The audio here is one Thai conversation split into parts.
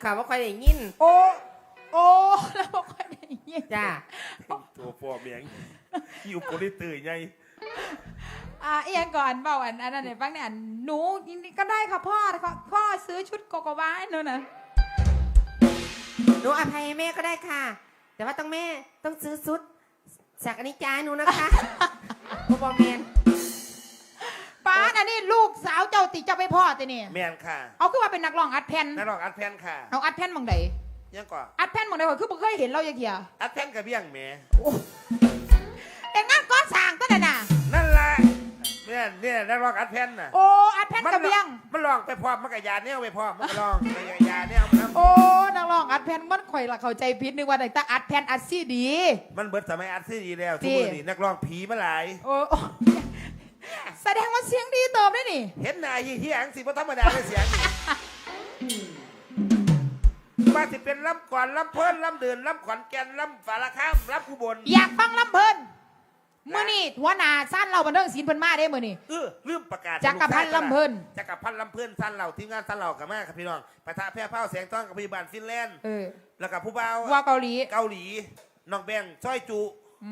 ค่ะว่าค่อยได้ยินโอ้แล้วบ่ค่อยได้ยินจ้าตัวฟอร์มยังอยู่โปลิตื่นไงเอียงก่อนเบาอันนั้นเนี่ยฟังเนี่ยหนูก็ได้ค่ะพ่อซื้อชุดโกโกวาให้หนูนะหนูอภัยแม่ก็ได้ค่ะแต่ว่าแม่ต้องซื้อชุดจากอนิจจาหนูนะคะพ่อแม่ป้าอันนี้ลูกสาวเจ้าติจะไปพ่อติเนี่ยแมนค่ะเอาคือว่าเป็นนักร้องอัดแผ่นนักร้องอัดแผ่นค่ะเอาอัดแผ่นมองไหนยังก่อนอัดแผ่นมองไหนก่อนคือบ่เคยเห็นเราอย่างเงี้ยอัดแผ่นกับเบี้ยงแม่เอ็งงั้นก้อนสร้างก็ได้น่ะนั่นแหละเนี่ยนักร้องอัดแผ่นน่ะโอ้อัดแผ่นกับเบี้ยงมันลองไปพร้อมมันกับยาเนี่ยไปพร้อมมันก็ลองไปยาเนี่ยโอ้นักร้องอัดแผ่นมันข่อยละเข้าใจผิดนึกว่าแต่อัดแผ่นอัดซีดีมันเบิดสมัยอัดซีดีแล้วทุกคนนี่นักร้องผีมาหลายโอ้แสดงว่าเสียงดีเติมได้นี่เห็นหน้าเฮี้ยงสิเพราะธรรมดาเลยเสียงมาสิเป็นลำก่อนลำเพิ่นลำเดินลำขอนแก่นลำฝาละข้ามลำอุบลอยากฟังลำเพิ่นมื่อนี่หัวหน้าสั้นเราบันเทิงศิลป์เพิ่นมาได้มื่อนี่ลืมประกาศจักรพันธ์ลำเพิ่นสั้นเราทีมงานสั้นเรากับแม่ครับพี่น้องปะทะแพ้เผ้าแสงต้องกับพยาบาลฟินแลนด์แล้วกับผู้บ่าวว่าเกาหลีน้องแบงซ้อยจุ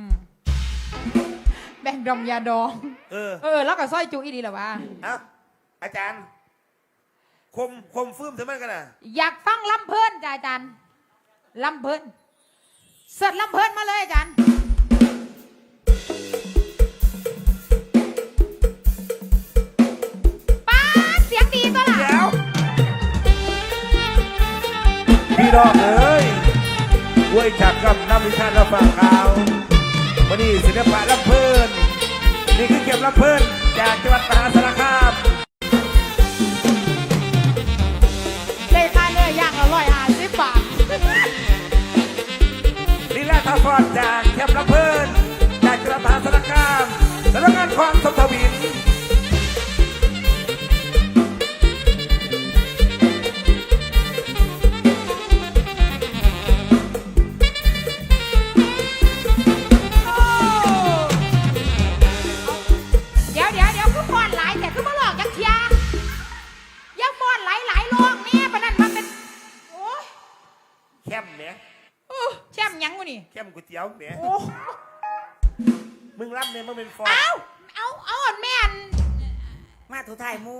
แบ่งดมยาดองแล้วก็สร้อยจุอีดีหรอวะอาจารย์คมฟื้มถึงมันกันนะอยากฟังลำเพิ่นจ้าอาจารย์ลำเพิ่นเสร็จลำเพิ่นมาเลยอาจารย์ป้าเสียงดีตัวละเดี๋ยวพี่น้องเอ้ยเว้ยจากกับน้ำวิชาเราฟังข่าววันนี้ศิลปะลำเพิ่นนี่คือเก็บลำเพิ่นจากจังหวัดมหาสารคามได้ค่าเนื้อย่าง150 บาทลีลาท่าฟอนจากเก็บลำเพิ่นจากจังหวัดมหาสารคามสำนักงานความสมทวินเข้มก๋วยเตี๋ยวเนี่ยมึงรับเนี่ยมึงเป็นฟอนเอาแม่นมาถูถ่ายมู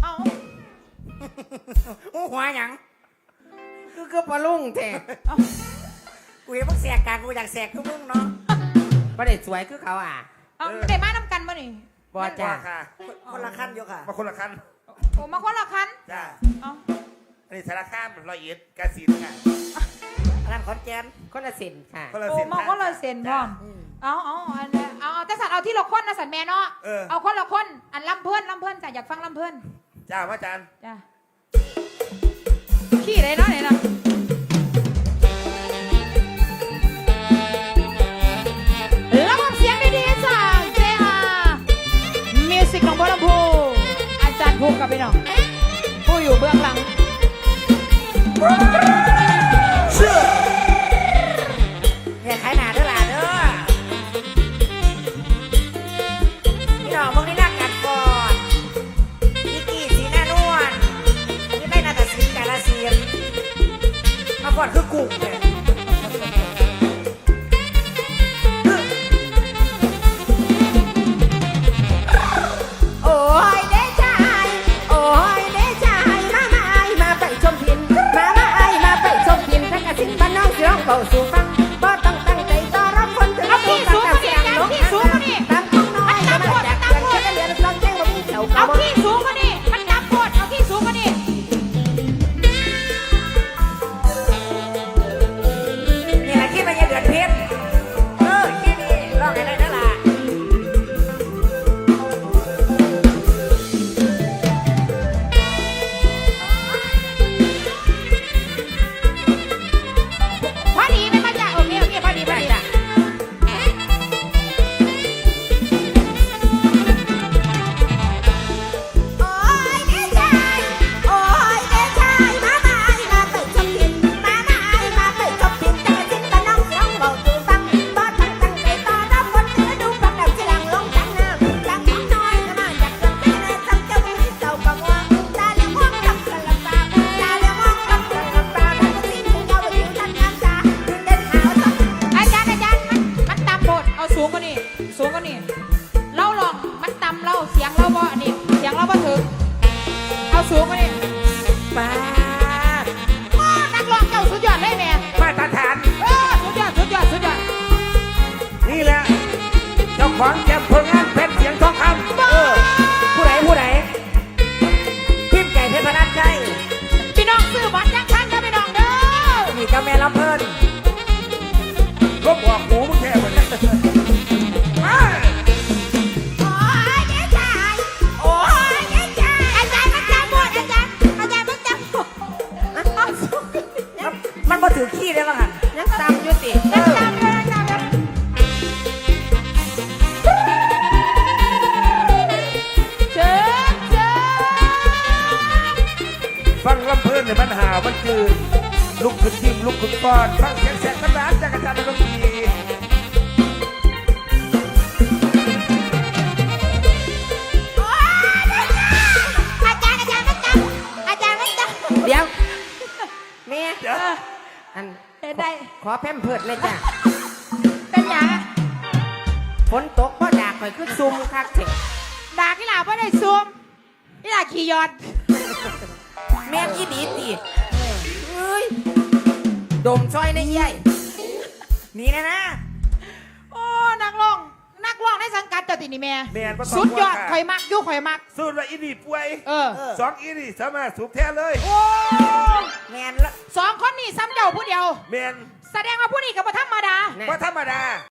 หัวหยังคือปลาลุงแท้กูเห็นมึงแสกกันกูอยากแสกคือมึงเนาะประเด็นสวยคือเขาไม่ได้มาน้ำกันมาหนิบอจ้าค่ะคนละขั้นอยู่ค่ะมาคนละขั้นโอ้มาคนละขั้นจ้าอันนี้สารคาม101กาฬสินธุ์ค่ะอันนั้นขอนแก่นคนละเซนค่ะโอ้มาคนละเซนพ่อเอาแต่สัตว์เอาที่เราค้นนะสัตว์แม่เนาะเอาคนละคนอันลำเพื่อนจ้ะอยากฟังลำเพื่อนจ้าว่าจานจ้าขี้เลยเนาะไหนนะแล้วเสียงดีๆจากJR Music ของบัวลำพูอาจารย์ภูมิกับพี่น้องผู้อยู่เบื้องหลังอย่าขายหนาเด้อหล่ะเด้อพี่น้องมึงนี่รักกันก่อนพี่กี้สีหน้านวลนี่ไม่นาฏศิลป์กาฬสินธุ์มาก่อนคือกุ่งเลยโอ้ยเด้ชายโอ้ยเด้ชายมาไปชมพินมาไปของแชมป์ผลงานเพชรเสียงทองคำผู้ใดพิมพ์ไก่เพชรพนัสใช่พี่น้องซื้อบัตรยังทันนะพี่น้องเด้อนี่ก็แม่ลำเพิ่นลบออกหูมึงแค่วันนี้โอ้ยเจ๊ชายโอ้ยเจ๊ชายอาจารย์มันจำหมดอาจารย์มันจำหมดมันบ่ถือขี้ได้บ้างหันยังจำอยู่สิยังจำเลยยังจำเลยเจ๊เจ๊ฟังลำเพลินในปัญหามันคือลุกขึ้นยิ้มลุกขึ้นก้อนฟังเสียงแสกกระดานจากอาจารย์ดนตรีเดี๋ยวแม่เดี๋ยวอันเป็นได้ขอแพมเพิดเลยจ้ะเป็นหยังฝนตกพ่อดากข่อยคือซุ่มคักเถอะดากที่หลาบ่ได้ซูมที่หลาขี่ยอดแม่ยี่ดีตีเอ้ยดมซอยในใหญ่นี่นะโอ้นักร้องในสังกัดเจ้าตินี่แม่แมนสุดยอดข่อยมักอยู่ข่อยมักสู้ว่าอีนี่ป่วยเออสองอีนี่สามารถสูบแท้เลยโอ้แมนละสองคนนี่ซ้ำเจ้าผู้เดียวแมนแสดงว่าผู้นี้ก็บ่ธรรมดาแน่ว่าธรรมดา